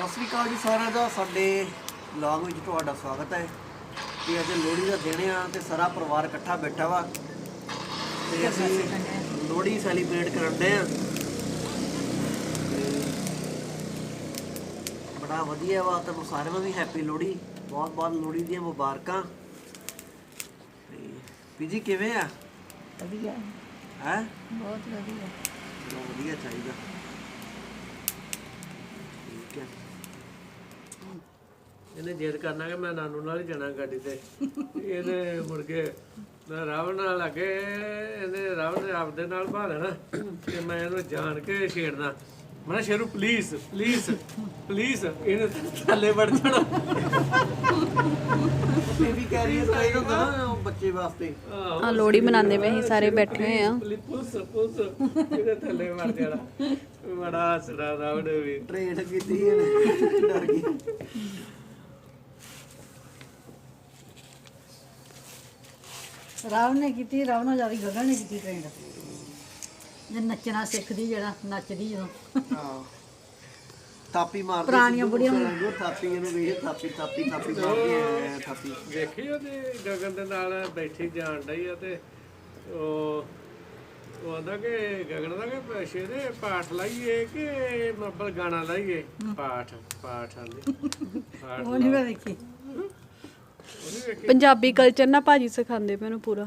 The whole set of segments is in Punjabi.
ਸਤਿ ਸ਼੍ਰੀ ਅਕਾਲ ਜੀ ਸਾਰਿਆਂ ਦਾ। ਸਾਡੇ ਵਲੌਗ ਵਿੱਚ ਤੁਹਾਡਾ ਸਵਾਗਤ ਹੈ। ਕਿ ਅੱਜ ਲੋਹੜੀ ਦਾ ਦਿਨ ਆ ਤੇ ਸਾਰਾ ਪਰਿਵਾਰ ਇਕੱਠਾ ਬੈਠਾ ਵਾ ਤੇ ਅਸੀਂ ਲੋਹੜੀ ਸੈਲੀਬ੍ਰੇਟ ਕਰਦੇ ਆ। ਬੜਾ ਵਧੀਆ ਵਾ। ਤੁਹਾਨੂੰ ਸਾਰਿਆਂ ਨੂੰ ਵੀ ਹੈਪੀ ਲੋਹੜੀ, ਬਹੁਤ ਬਹੁਤ ਲੋਹੜੀ ਦੀਆਂ ਮੁਬਾਰਕਾਂ। ਤੇ ਪੀਜੀ ਕਿਵੇਂ ਆ? ਵਧੀਆ ਹੈ ਬਹੁਤ ਵਧੀਆ। ਚਲੋ ਵਧੀਆ ਚਾਹੀਦਾ। ਠੀਕ ਹੈ। ਇਹਨੇ ਜਿੱਦ ਕਰਨਾ ਕਿ ਮੈਂ ਨਾਨੂ ਨਾਲ ਹੀ ਜਾਣਾ ਗੱਡੀ ਤੇ। ਇਹਨੇ ਮੁੜ ਕੇ ਮੈਂ ਰਾਵਣ ਨਾਲ ਲੱਗੇ, ਇਹਨੇ ਰਾਵਣ ਨੇ ਆਪਦੇ ਨਾਲ ਭਾ ਲੈਣਾ ਤੇ ਮੈਂ ਇਹਨੂੰ ਜਾਣ ਕੇ ਛੇੜਨਾ। ਮੈਂ ਸ਼ੇਰੂ ਪਲੀਜ਼ ਪਲੀਜ਼ ਪਲੀਜ਼, ਇਹਨੇ ਥੱਲੇ ਵੜ ਜਾਣਾ। ਬੇਬੀ ਕਹਿ ਰਹੀ ਹੈ ਚਾਹੀਦਾ ਹੁੰਦਾ ਨਾ ਬੱਚੇ ਵਾਸਤੇ। ਆ ਲੋਹੜੀ ਮਨਾਉਂਦੇ ਪਏ ਅਸੀਂ ਸਾਰੇ ਬੈਠੇ ਹੋਏ ਆ। ਪੁੱਸ ਪੁੱਸ ਇਹਦੇ ਥੱਲੇ ਵੜ ਜਾਣਾ। ਬੜਾ ਹੱਸਦਾ ਰਾਵਣ ਵੀ। ਟ੍ਰੇਨ ਕੀਤੀ ਇਹਨੇ, ਡਰ ਗਈ। ਰਾਵਣ ਨੇ ਕੀਤੀ, ਰਾਵਣੋਂ ਜ਼ਿਆਦਾ ਗਗਨ ਨੇ ਕੀਤੀ ਟ੍ਰੇਨ। ਜੇ ਨੱਚਣਾ ਸਿੱਖਦੀ, ਜਿਹੜਾ ਨੱਚਦੀ ਜਦੋਂ ਹਾਂ ਥਾਪੀ ਮਾਰਦੀ ਪੁਰਾਣੀਆਂ ਬੁੜੀਆਂ ਥਾਪੀ ਇਹਨੂੰ ਵੇਖ, ਥਾਪੀ ਥਾਪੀ ਥਾਪੀ ਮਾਰਦੀ ਐ ਥਾਪੀ। ਦੇਖੀ ਉਹਦੇ ਗਗਨ ਦੇ ਨਾਲ ਬੈਠੀ ਜਾਣ ਡਈ ਆ ਤੇ ਉਹ ਆਂਦਾ ਕਿ ਗਗਨ ਦਾ ਕਿ ਸ਼ੇਰੇ ਪਾਠ ਲਾਈਏ ਕਿ ਮੱਬਲ ਗਾਣਾ ਲਾਈਏ। ਪਾਠ ਆਂਦੀ ਪਾਠ ਉਹ ਨਹੀਂ ਮੈਂ ਵੇਖੀ। ਪੰਜਾਬੀ ਕਲਚਰ ਨਾ ਭਾਜੀ ਸਿਖਾਉਂਦੇ ਮੈਨੂੰ ਪੂਰਾ।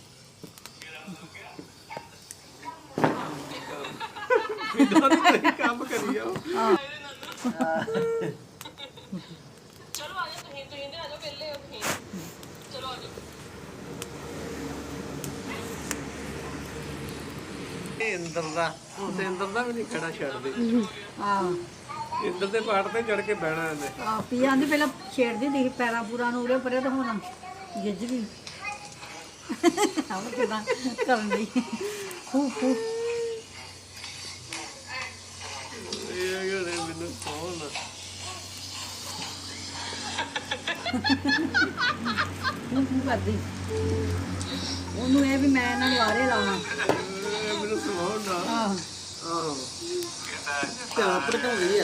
ਕੰਮ ਕਰੀ ਜਾਓ। ਇੰਦਰ ਦਾ ਹੁਣ ਤੇ ਇੰਦਰ ਦਾ ਵੀ ਨਹੀਂ ਖੜਾ ਛੱਡਦੇ। ਆਹ ਇੰਦਰ ਦੇ ਪਾਠ ਤੇ ਚੜ ਕੇ ਬਹਿਣਾ ਇਹਨੇ। ਆਹ ਪੀ ਆਂਦੀ ਪਹਿਲਾਂ ਛੇੜਦੀ ਸੀ ਪੈਰਾਂ ਪੂਰਾਂ ਨੂੰ ਉਰੇ ਪਰੇ, ਤਾਂ ਹੁਣ ਗਿੱਜ ਗਈ। ਆਹ ਕਿਦਾਂ ਕਰਨ ਲਈ ਖੂ ਖੂ। ਇਹ ਜਿਹੜੇ ਮੈਨੂੰ ਕੌਣ ਖੂ ਖੂ ਕਰਦੀ। ਉਹਨੂੰ ਇਹ ਵੀ ਮੈਂ ਇਹਨਾਂ ਨੂੰ ਆਰੇ ਲਾਉਣਾ। ਮੈਨੂੰ ਸੁਣਾਉਣ ਨਾ। ਆਹ ਆਹੋ ਧਿਆਨ ਭਟਕਾਉਂਦੀ ਆ।